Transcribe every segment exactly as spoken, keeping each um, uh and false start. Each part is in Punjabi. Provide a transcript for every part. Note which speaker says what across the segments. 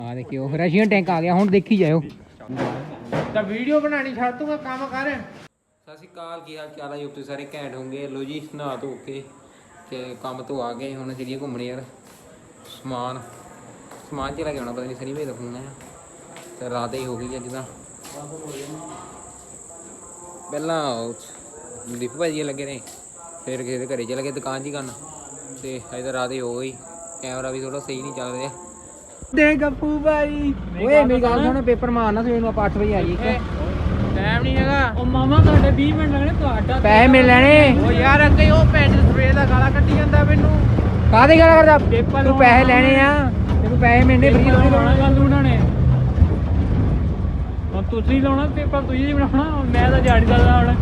Speaker 1: ਆ ਦੇਖਿਓ ਰਸ਼ੀਅਨ ਟੈਂਕ ਆ ਗਿਆ ਹੁਣ ਦੇਖੀ ਜਾਇਓ
Speaker 2: ਤਾਂ ਵੀਡੀਓ ਬਣਾਣੀ ਛੱਡ ਤੂੰ ਕੰਮ ਕਰ।
Speaker 1: ਸਤਿ ਸ਼੍ਰੀ ਅਕਾਲ, ਕੀ ਹਾਲ ਚਾਲ ਹੈ ਜੀ? ਤੁਸੀਂ ਸਾਰੇ ਘੈਂਟ ਹੋਣਗੇ। ਲੋ ਜੀ ਨਹਾ ਧੋ ਕੇ ਤੇ ਕੰਮ ਤੋਂ ਆ ਗਏ, ਹੁਣ ਚੱਲੀਏ ਘੁੰਮਣ ਯਾਰ। ਸਮਾਨ ਸਮਾਨ ਚਲਾ ਕੇ ਆਉਣਾ, ਪਤਾ ਨਹੀਂ ਸਨੀ ਭਾਈ ਦਾ ਫੋਨ ਆਇਆ ਤੇ ਰਾਤ ਹੀ ਹੋ ਗਈ ਅੱਜ ਤਾਂ। ਪਹਿਲਾਂ ਦੀਪ ਭਾਈ ਜੀ ਲੱਗੇ ਨੇ, ਫਿਰ ਕਿਸੇ ਦੇ ਘਰੇ ਚਲੇ ਗਏ ਦੁਕਾਨ 'ਚ ਹੀ ਕਰਨ, ਤੇ ਅਜੇ ਤਾਂ ਰਾਤ ਹੀ ਹੋ ਗਈ। ਕੈਮਰਾ ਵੀ ਥੋੜਾ ਸਹੀ ਨਹੀਂ ਚੱਲ ਰਿਹਾ। ਦੇ ਗੱਪੂ ਭਾਈ ਓਏ ਮੇਰੀ ਗੱਲ ਸੁਣ, ਪੇਪਰ ਮਾਰਨਾ ਸਵੇਰ ਨੂੰ ਆਪਾਂ ਅੱਠ ਵਜੇ ਆ ਜੀ।
Speaker 2: ਟਾਈਮ ਨਹੀਂ ਹੈਗਾ।
Speaker 3: ਉਹ ਮਾਮਾ ਤੁਹਾਡੇ ਵੀਹ ਮਿੰਟ ਲੱਗਣੇ, ਤੁਹਾਡਾ
Speaker 1: ਪੈਸੇ ਮਿਲ ਲੈਣੇ।
Speaker 2: ਉਹ ਯਾਰ ਅੱਗੇ ਉਹ ਪੈਂਟ ਸਵੇਰ ਦਾ ਗਾਲਾਂ ਕੱਢੀ ਜਾਂਦਾ ਮੈਨੂੰ।
Speaker 1: ਕਾਹਦੀ ਗੱਲ ਕਰਦਾ ਤੂੰ? ਪੈਸੇ ਲੈਣੇ ਆ ਤੈਨੂੰ, ਪੈਸੇ ਮਿਲਣੇ ਫਰੀ ਥੋੜੀ
Speaker 3: ਲਾਉਣਾ ਗੱਲ ਉਹਨਾਂ ਨੇ। ਹੁਣ ਤੁਸੀਂ ਲਾਉਣਾ ਪੇਪਰ, ਤੁਸੀਂ ਹੀ ਬਣਾਉਣਾ। ਮੈਂ ਤਾਂ ਦਿਹਾੜੀ ਦਾ ਹੁਣ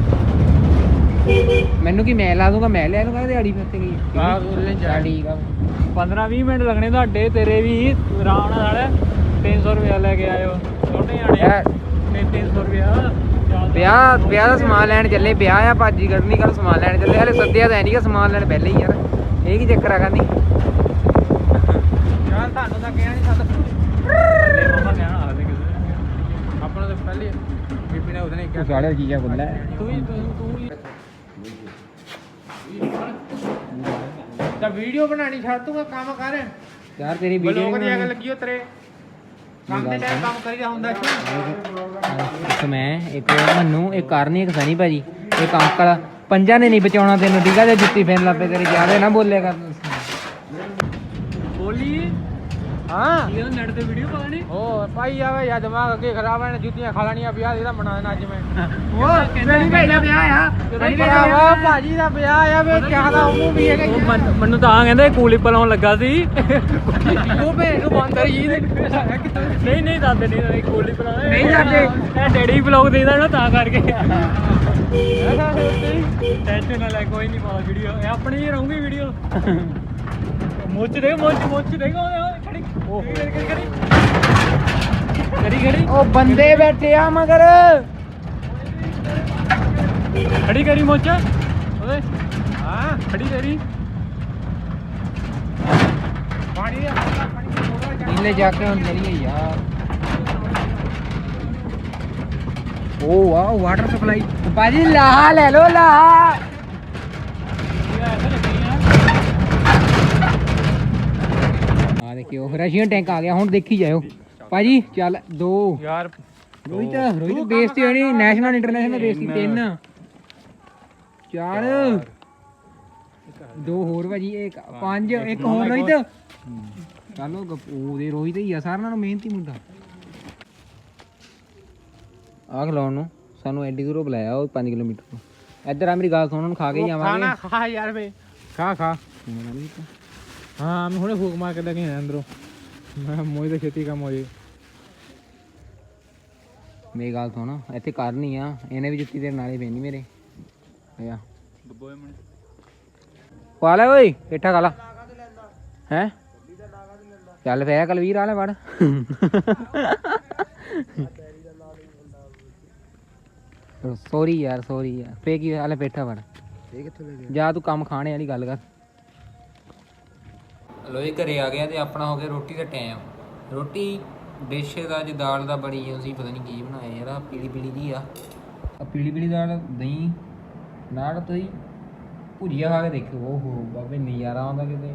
Speaker 1: ਮੈਨੂੰ ਕੀ ਮੈਂ ਲਾ ਦੂੰਗਾ, ਮੈਂ ਲੈ ਲੂੰਗਾ ਦਿਹਾੜੀ ਫਿਰ ਤੇ ਕੀ।
Speaker 2: ਆਹ ਉਹਨੇ
Speaker 1: ਚੱਲ ਠੀਕ ਆ।
Speaker 3: ਪੰਦਰਾਂ ਵੀਹ ਮਿੰਟ ਲੱਗਣੇ ਤੁਹਾਡੇ, ਤੇਰੇ ਵੀ ਆਰਾਮ ਨਾਲ ਸਾਲੇ ਤਿੰਨ ਸੌ ਰੁਪਇਆ ਲੈ ਕੇ ਆਇਓ। ਛੋਟੇ ਆਣੇ ਤਿੰਨ ਤਿੰਨ ਸੌ ਰੁਪਇਆ।
Speaker 1: ਵਿਆਹ ਵਿਆਹ ਦਾ ਸਮਾਨ ਲੈਣ ਚੱਲੇ। ਵਿਆਹ ਆ ਭਾਜੀ ਕੱਢਣੀ, ਕੱਲ ਸਮਾਨ ਲੈਣ ਚੱਲੇ। ਹਲੇ ਸੱਦਿਆ ਤਾਂ ਨਹੀਂਗਾ, ਸਮਾਨ ਲੈਣ ਪਹਿਲੇ ਹੀ ਯਾਰ। ਇਹ ਕੀ ਚੱਕਰ ਆ ਕਹਿੰਦੀ
Speaker 2: ਯਾਰ ਤੁਹਾਨੂੰ ਤਾਂ ਕਿਹਾ ਨਹੀਂ ਸੱਦ।
Speaker 3: ਮਾਮਾ ਕਹਿਣਾ ਹਾਲੇ ਕਿਸੇ
Speaker 2: ਆਪਣਾ ਤਾਂ ਪਹਿਲੇ ਬੀਬੀ ਨੇ ਉਹਦੇ ਨੇ ਕਿਹਾ
Speaker 1: ਸਾਲੇ ਚੀਜ਼ਾਂ ਬੁੱਲਾ
Speaker 3: ਤੂੰ ਹੀ ਤੂੰ ਹੀ
Speaker 2: ਤਾਂ ਵੀਡੀਓ ਬਣਾਣੀ ਛੱਡ ਤੂੰ ਕੰਮ ਕਰ।
Speaker 1: ਯਾਰ ਤੇਰੀ ਵੀਡੀਓ
Speaker 2: ਬਲੌਗ ਦੀ ਅਗਲ ਲੱਗੀ ਹੋ ਤੇਰੇ ਕੰਮ ਦੇ ਟਾਈਮ ਕੰਮ ਕਰੀਦਾ ਹੁੰਦਾ
Speaker 1: ਇੱਕ ਮੈਂ, ਇੱਕ ਮੰਨੂ, ਇੱਕ ਕਰਨੀ, ਇੱਕ ਸਨੀ ਭਾਜੀ, ਇੱਕ ਅੰਕਲ। ਪੰਜਾਂ ਨੇ ਨਹੀਂ ਬਚਾਉਣਾ ਤੈਨੂੰ, ਠੀਕ ਆ? ਜੇ ਜੁੱਤੀ ਫੇਰਨ ਲੱਪੇ ਤੇਰੇ ਜ਼ਿਆਦਾ ਨਾ ਬੋਲਿਆ ਕਰ।
Speaker 3: ਬੋਲੀ
Speaker 2: ਹਾਂ
Speaker 3: ਇਹ ਨੈਟ ਤੇ ਵੀਡੀਓ ਪਾ ਨਹੀਂ।
Speaker 2: ਉਹ ਭਾਈ ਆਵੇ ਯਾ ਦਿਮਾਗ ਅੱਗੇ ਖਰਾਬ ਹੈ, ਜੁੱਤੀਆਂ ਖਾ ਲੈਣੀਆਂ। ਵਿਆਹ ਇਹਦਾ ਮਨਾਉਣਾ ਅੱਜ ਮੈਂ।
Speaker 1: ਉਹ ਸਨੀ ਭਾਈ ਦਾ ਵਿਆਹ ਆ।
Speaker 2: ਭਰਾਵਾ ਭਾਜੀ ਦਾ ਵਿਆਹ ਆ ਵੇ, ਕਿਆ ਦਾ ਉਹਨੂੰ ਵੀ ਹੈਗਾ।
Speaker 3: ਉਹ ਮਨ- ਮੈਨੂੰ ਤਾਂ ਕਹਿੰਦੇ ਕੂਲਿਪ ਲਾਉਣ ਲੱਗਾ ਸੀ।
Speaker 2: ਉਹ ਭੇਜ ਨੂੰ ਬੰਦ ਕਰੀ ਜੀ।
Speaker 3: ਨਹੀਂ ਨਹੀਂ ਦਾਦੇ ਨਹੀਂ ਦਾਦੇ ਕੂਲਿਪ ਲਾਉਣਾ
Speaker 1: ਨਹੀਂ ਦਾਦੇ।
Speaker 3: ਇਹ ਡੈਡੀ ਵਲੌਗ ਦੇਦਾ ਨਾ ਤਾਂ ਕਰਕੇ। ਟੈਨਸ਼ਨ ਨਾ ਲੈ, ਕੋਈ ਨਹੀਂ ਪਾਉਂਦਾ ਵੀਡੀਓ, ਇਹ ਆਪਣੀ ਹੀ ਰਹੂਗੀ ਵੀਡੀਓ। ਮੁੱਚ ਦੇ ਮੁੱਚ ਮੁੱਚ ਦੇਗਾ ਉਹ ਖੜੀ ਉਹ ਕਰੀ ਕਰੀ ਕਰੀ ਕਰੀ
Speaker 1: ਉਹ ਬੰਦੇ ਬੈਠੇ ਆ ਮਗਰ।
Speaker 3: ਖੜੀ ਕਰੀ ਮੁੱਚ ਓਏ। ਹਾਂ ਖੜੀ ਕਰੀ।
Speaker 2: ਪਾਣੀ ਦੇ ਪਾਣੀ ਦੇ ਥੋੜਾ ਜਿਹਾ
Speaker 1: ਨੀਲੇ ਜਾ ਕੇ ਹੁਣ ਚਲੀਏ ਯਾਰ। ਉਹ ਵਾਹ ਵਾਟਰ ਸਪਲਾਈ ਭਾਜੀ, ਲਾਹਾ ਲੈ ਲੋ ਲਾਹਾ। ਆ ਦੇਖਿਓ ਰਸ਼ੀਅਨ ਟੈਂਕ ਆ ਗਿਆ ਹੁਣ ਦੇਖੀ ਜਾਇਓ ਭਾਜੀ। ਚੱਲ ਦੋ
Speaker 2: ਯਾਰ
Speaker 1: ਰੋਹਿਤ ਰੋਹਿਤ ਬੇਇੱਜ਼ਤੀ ਹੋਣੀ। ਨੈਸ਼ਨਲ ਇੰਟਰਨੈਸ਼ਨਲ ਬੇਇੱਜ਼ਤੀ। ਤਿੰਨ ਚਾਰ ਦੋ ਹੋਰ ਭਾਜੀ, ਇੱਕ ਪੰਜ, ਇੱਕ ਹੋਰ ਰੋਹਿਤ। ਚਲੋ ਉਹਦੇ ਰੋਹਿਤ ਹੀ ਆ ਸਾਰਿਆਂ ਨਾਲੋਂ ਮਿਹਨਤੀ ਮੁੰਡਾ। ਆਹ ਖਲਾਉਣ ਨੂੰ ਸਾਨੂੰ ਐਡੀ ਦੂਰੋਂ ਬੁਲਾਇਆ, ਉਹ ਪੰਜ ਕਿਲੋਮੀਟਰ ਤੋਂ। ਇੱਧਰ ਆ ਮੇਰੀ ਗੱਲ ਸੁਣ, ਹੁਣ ਖਾ ਕੇ ਹੀ
Speaker 2: ਖਾਣਾ
Speaker 1: ਜਾਵਾਂਗੇ।
Speaker 2: ਖਾ ਯਾਰ ਵੇ, ਖਾ ਖਾ। ਹਾਂ ਮੈਂ ਹੁਣੇ ਫੂਕ ਮਾਰ ਕੇ ਲੈ ਕੇ ਆਇਆ ਅੰਦਰੋਂ। ਮੈਂ ਮੋਈ ਦਾ ਛੇਤੀ ਕੰਮ ਹੋ ਜੇ।
Speaker 1: ਮੇਰੀ ਗੱਲ ਸੁਣ, ਇੱਥੇ ਕਰਨੀ ਆ, ਇਹਨੇ ਵੀ ਜੁੱਤੀ ਤੇਰੇ ਨਾਲੇ ਪੈਣੀ ਮੇਰੇ। ਆ ਪਾ ਲੈ ਓਏ, ਪੇਠਾ ਖਾ ਲਾ। ਹੈਂ ਚੱਲ ਪਿਆ ਕਲਵੀਰ ਆ ਲੈ ਵੜ। ਸੋਰੀ ਯਾਰ, ਸੋਰੀ ਯਾਰ। ਫੇ ਕੀ ਹਾਲੇ ਪੇਠਾ ਵੜ। ਇਹ ਕਿੱਥੋਂ ਲੈ ਗਿਆ? ਜਾ ਤੂੰ ਕੰਮ ਖਾਣੇ ਵਾਲੀ ਗੱਲ ਕਰ। ਲੋ ਇਹ ਘਰੇ ਆ ਗਿਆ ਤੇ ਆਪਣਾ ਹੋ ਗਿਆ ਰੋਟੀ ਦਾ ਟਾਈਮ। ਰੋਟੀ ਡਿਸ਼ ਦਾ ਅੱਜ ਦਾਲ ਦਾ ਬਣੀ ਸੀ, ਪਤਾ ਨਹੀਂ ਕੀ ਬਣਾਇਆ ਯਾਰ। ਆ ਪੀਲੀ ਪੀਲੀ ਜੀ ਆ, ਆ ਪੀਲੀ ਪੀਲੀ ਦਾਲ, ਦਹੀਂ ਨਾਲ ਤੋਂ ਹੀ ਭੁਜੀਆ ਖਾ ਕੇ ਦੇਖੋ। ਓਹੋ ਬਾਬੇ ਨਜ਼ਾਰਾ ਆਉਂਦਾ ਕਿਤੇ,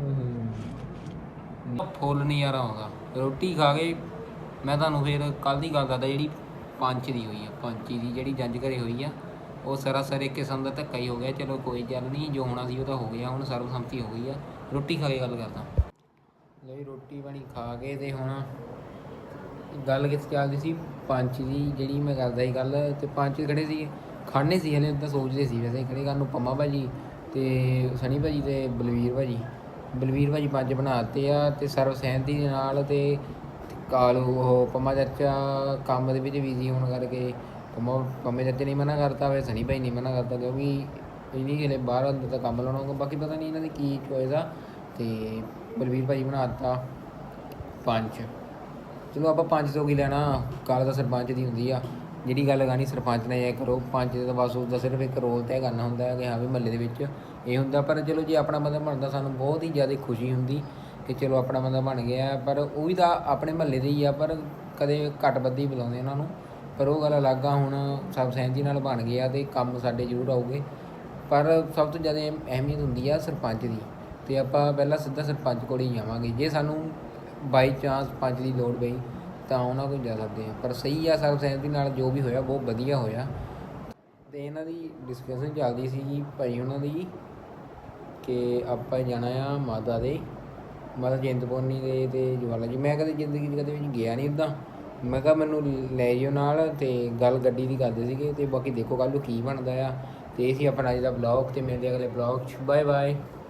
Speaker 1: ਫੁੱਲ ਨਜ਼ਾਰਾ ਆਉਂਦਾ। ਰੋਟੀ ਖਾ ਕੇ ਮੈਂ ਤੁਹਾਨੂੰ ਫਿਰ ਕੱਲ੍ਹ ਦੀ ਗੱਲ ਦੱਸਦਾ, ਜਿਹੜੀ ਪੰਚ ਦੀ ਹੋਈ ਆ, ਪੰਚੀ ਦੀ ਜਿਹੜੀ ਜੰਜ ਘਰੇ ਹੋਈ ਆ, ਉਹ ਸਰਾਸਰ ਇੱਕ ਕਿਸਮ ਦਾ ਧੱਕਾ ਹੀ ਹੋ ਗਿਆ। ਚਲੋ ਕੋਈ ਗੱਲ ਨਹੀਂ, ਜੋ ਹੋਣਾ ਸੀ ਉਹ ਤਾਂ ਹੋ ਗਿਆ, ਹੁਣ ਸਰਬਸੰਮਤੀ ਹੋ ਗਈ ਆ। ਰੋਟੀ ਖਾ ਕੇ ਗੱਲ ਕਰਦਾ। ਲਈ ਰੋਟੀ ਪਾਣੀ ਖਾ ਕੇ ਤੇ ਹੁਣ ਗੱਲ ਕਿੱਥੇ ਚੱਲਦੀ ਸੀ? ਪੰਚ ਦੀ ਜਿਹੜੀ ਮੈਂ ਕਰਦਾ ਸੀ ਗੱਲ। ਤੇ ਪੰਚ ਖੜੇ ਸੀ, ਖਾਣੇ ਸੀ ਹਲੇ ਤਾਂ ਸੋਚਦੇ ਸੀ ਵੈਸੇ ਖੜੇ ਕਰਨ ਨੂੰ। ਪੰਮਾ ਭਾਜੀ ਤੇ ਸਨੀ ਭਾਜੀ ਤੇ ਬਲਵੀਰ ਭਾਜੀ। ਬਲਵੀਰ ਭਾਜੀ ਪੰਜ ਬਣਾ ਦਿੱਤੇ ਆ ਤੇ ਸਰਵ ਸਹਿਮਤੀ ਦੇ ਨਾਲ। ਤੇ ਕਾਲੂ ਉਹ ਪੰਮਾ ਚਾਚਾ ਕੰਮ ਦੇ ਵਿੱਚ ਬਿਜ਼ੀ ਹੋਣ ਕਰਕੇ ਪੰਮਾ ਪੰਮੇ ਚਾਚੇ ਨੇ ਮਨਾ ਕਰਤਾ, ਫਿਰ ਸਨੀ ਭਾਈ ਨੇ ਮਨਾ ਕਰਤਾ, ਕਿਉਂਕਿ ਇਹਨੀ ਹਲੇ ਬਾਹਰ ਅੰਦਰ ਤਾਂ ਕੰਮ ਲਾਉਣਾ ਹੋਊਗਾ। ਬਾਕੀ ਪਤਾ ਨਹੀਂ ਇਹਨਾਂ ਦੀ ਕੀ ਚੋਇਸ ਆ। ਤੇ ਬਲਵੀਰ ਭਾਜੀ ਬਣਾ ਦਿੱਤਾ ਪੰਜ। ਚਲੋ ਆਪਾਂ ਪੰਜ ਤੋਂ ਕੀ ਲੈਣਾ, ਗੱਲ ਤਾਂ ਸਰਪੰਚ ਦੀ ਹੁੰਦੀ ਆ। ਜਿਹੜੀ ਗੱਲ ਕਰਨੀ ਸਰਪੰਚ ਨੇ ਇਹ ਕਰੋ। ਪੰਚ ਦਾ ਬਸ ਉਸਦਾ ਸਿਰਫ ਇੱਕ ਰੋਲ ਤੈਅ ਕਰਨਾ ਹੁੰਦਾ ਹੈ ਕਿ ਹਾਂ ਵੀ ਮਹੱਲੇ ਦੇ ਵਿੱਚ ਇਹ ਹੁੰਦਾ। ਪਰ ਚਲੋ ਜੇ ਆਪਣਾ ਬੰਦਾ ਬਣਦਾ ਸਾਨੂੰ ਬਹੁਤ ਹੀ ਜ਼ਿਆਦਾ ਖੁਸ਼ੀ ਹੁੰਦੀ ਕਿ ਚਲੋ ਆਪਣਾ ਬੰਦਾ ਬਣ ਗਿਆ, ਪਰ ਉਹ ਵੀ ਤਾਂ ਆਪਣੇ ਮਹੱਲੇ ਦੇ ਹੀ ਆ, ਪਰ ਕਦੇ ਘੱਟ ਵੱਧ ਹੀ ਬੁਲਾਉਂਦੇ ਉਹਨਾਂ ਨੂੰ। ਪਰ ਉਹ ਗੱਲ ਅਲੱਗ ਆ, ਹੁਣ ਸਭ ਸਹਿਮਤੀ ਨਾਲ ਬਣ ਗਿਆ ਅਤੇ ਕੰਮ ਸਾਡੇ ਜ਼ਰੂਰ ਆਊਗੇ। ਪਰ ਸਭ ਤੋਂ ਜ਼ਿਆਦਾ ਅਹਿਮੀਅਤ ਹੁੰਦੀ ਆ ਸਰਪੰਚ ਦੀ, ਅਤੇ ਆਪਾਂ ਪਹਿਲਾਂ ਸਿੱਧਾ ਸਰਪੰਚ ਕੋਲ ਹੀ ਜਾਵਾਂਗੇ। ਜੇ ਸਾਨੂੰ ਬਾਈ ਚਾਂਸ ਪੰਚ ਦੀ ਲੋੜ ਪਈ ਤਾਂ ਉਹਨਾਂ ਕੋਲ ਜਾ ਸਕਦੇ ਹਾਂ। ਪਰ ਸਹੀ ਆ, ਸਰਬ ਸਹਿਮਤੀ ਨਾਲ ਜੋ ਵੀ ਹੋਇਆ ਬਹੁਤ ਵਧੀਆ ਹੋਇਆ। ਅਤੇ ਇਹਨਾਂ ਦੀ ਡਿਸਕਸ਼ਨ ਚੱਲਦੀ ਸੀ ਭਾਈ ਉਹਨਾਂ ਦੀ ਕਿ ਆਪਾਂ ਜਾਣਾ ਆ ਮਾਤਾ ਦੇ, ਮਾਤਾ ਚਿੰਤਪੁਰਨੀ ਦੇ ਅਤੇ ਜਵਾਲਾ ਜੀ। ਮੈਂ ਕਦੇ ਜ਼ਿੰਦਗੀ 'ਚ ਕਦੇ ਵੀ ਗਿਆ ਨਹੀਂ ਉੱਦਾਂ। ਮੈਂ ਕਿਹਾ ਮੈਨੂੰ ਲੈ ਜਾਇਓ ਨਾਲ, ਅਤੇ ਗੱਲ ਗੱਡੀ ਦੀ ਕਰਦੇ ਸੀਗੇ। ਅਤੇ ਬਾਕੀ ਦੇਖੋ ਕੱਲ੍ਹ ਨੂੰ ਕੀ ਬਣਦਾ ਆ। ਅਤੇ ਇਹ ਸੀ ਆਪਣਾ ਅੱਜ ਦਾ ਬਲੌਗ, ਅਤੇ ਮਿਲਦੇ ਅਗਲੇ ਬਲੌਗ 'ਚ। Bye bye.